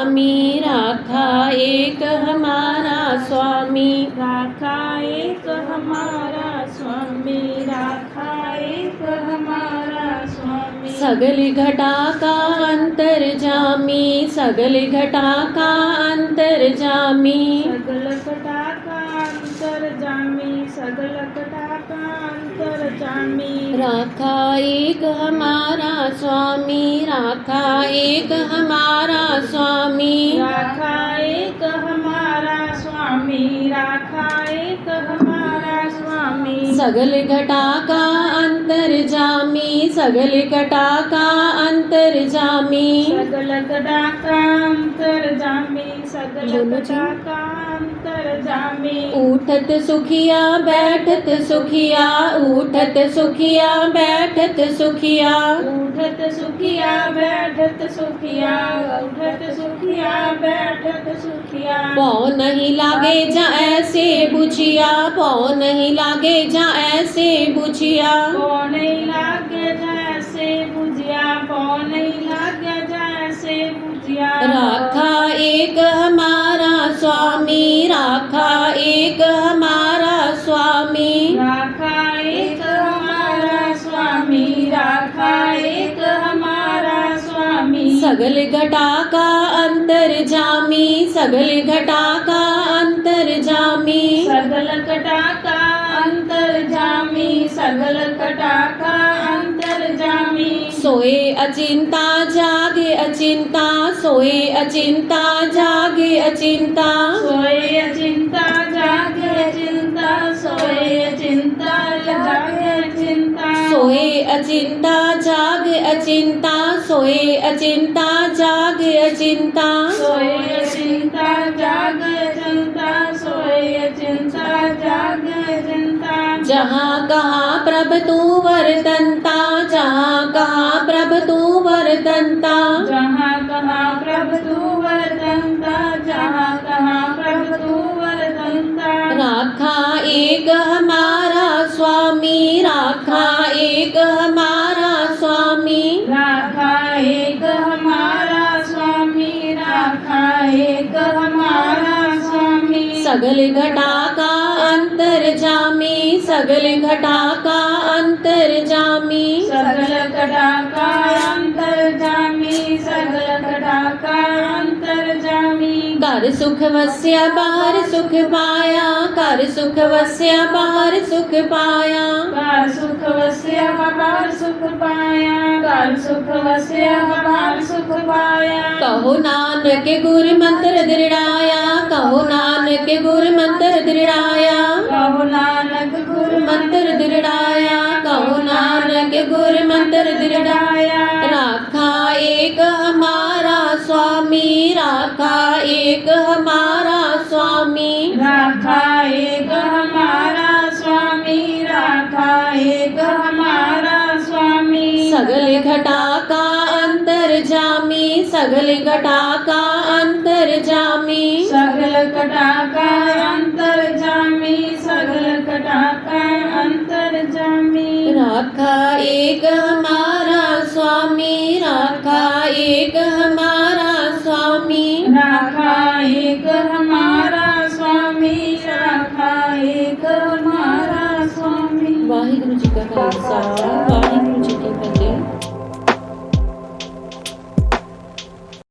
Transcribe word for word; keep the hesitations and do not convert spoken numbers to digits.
स्वामी, राखा एक हमारा स्वामी, राखा एक हमारा स्वामी, राखा एक हमारा स्वामी। सगल घटा का अंतर्जामी, सगल घटा का अंतर्जामी, सगल घटा का अंतर्जामी, सगल घटा का अंतर्जामी। राखा एक हमारा स्वामी, राखा एक हमारा स्वामी, राखा एक हमारा स्वामी, राखा एक हमारा स्वामी। सगल घटा का अंतर्जामी, सगल घटा का अंतर्जामी, सगल घटा का अंतर्जामी, सगल घटा का अंतर्जामी। उठत सुखिया बैठत सुखिया, उठत सुखिया बैठत सुखिया, उठत सुखिया बैठत सुखिया, उठत सुखिया बैठत सुखिया। पौ नहीं लागे जा ऐसे बुझिया, पौ नहीं लागे जा ऐसे बुझिया, पौ नहीं लागे जैसे बुझिया, पौ नहीं लागे जैसे बुझिया। राखा एक हमारा स्वामी, राखा एक हमारा स्वामी, राखा एक हमारा स्वामी, राखा एक हमारा स्वामी। सगल घटा का अंतर्जामी, सगल घटा का अंतर्जामी, सगल घटा का अंतर्जामी, सगल घटा का अंतर्जामी। सोए अचिंता जागे अचिंता, सोए अचिंता जागे अचिंता, सोए अचिंता जागे चिंता, सोए चिंता जागे चिंता। सोए अचिंता जागे अचिंता, सोए अचिंता जागे अचिंता, सोए चिंता जागे चिंता, सोए चिंता जागे चिंता। जहाँ कहाँ प्रभ तू वर्तनता, जहाँ कहाँ प्रभ तू वर्तनता, जहाँ कहाँ प्रभु तू वर्तनता, जहाँ कहाँ प्रभु तू वर्तनता। राखा एक हमारा स्वामी, राखा एक हमारा स्वामी, राखा एक हमारा स्वामी, राखा एक हमारा स्वामी। सगल घटा का अंतर्जामी, सगल घटा का अंतर्जामी, सगल घटा का अंतर्जामी, सगल घटा का अंतर्जामी। कर सुख वस्या बाहर सुख पाया, कर सुख वस्या बाहर सुख पाया, कर सुख वस्या बाहर सुख पाया, कर सुख वस्या बाहर सुख पाया। कहो नानक गुर मंत्र दृढ़ाया, कहो नानक गुर मंत्र दृढ़ाया, कहो नानक गुर मंत्र दृढ़ाया, कहो नानक गुर मंत्र दृढ़ाया। राखा एक हमारा स्वामी, राखा एक हमारा स्वामी, राखा एक हमारा स्वामी, राखा एक हमारा स्वामी। सगल घटा का अंतर्जामी, सगल घटा का अंतर्जामी, सगल घटा का अंतर्जामी, सगल घटा का अंतर्जामी। राखा एक हमारा स्वामी, राखा एक हमारा स्वामी, राखा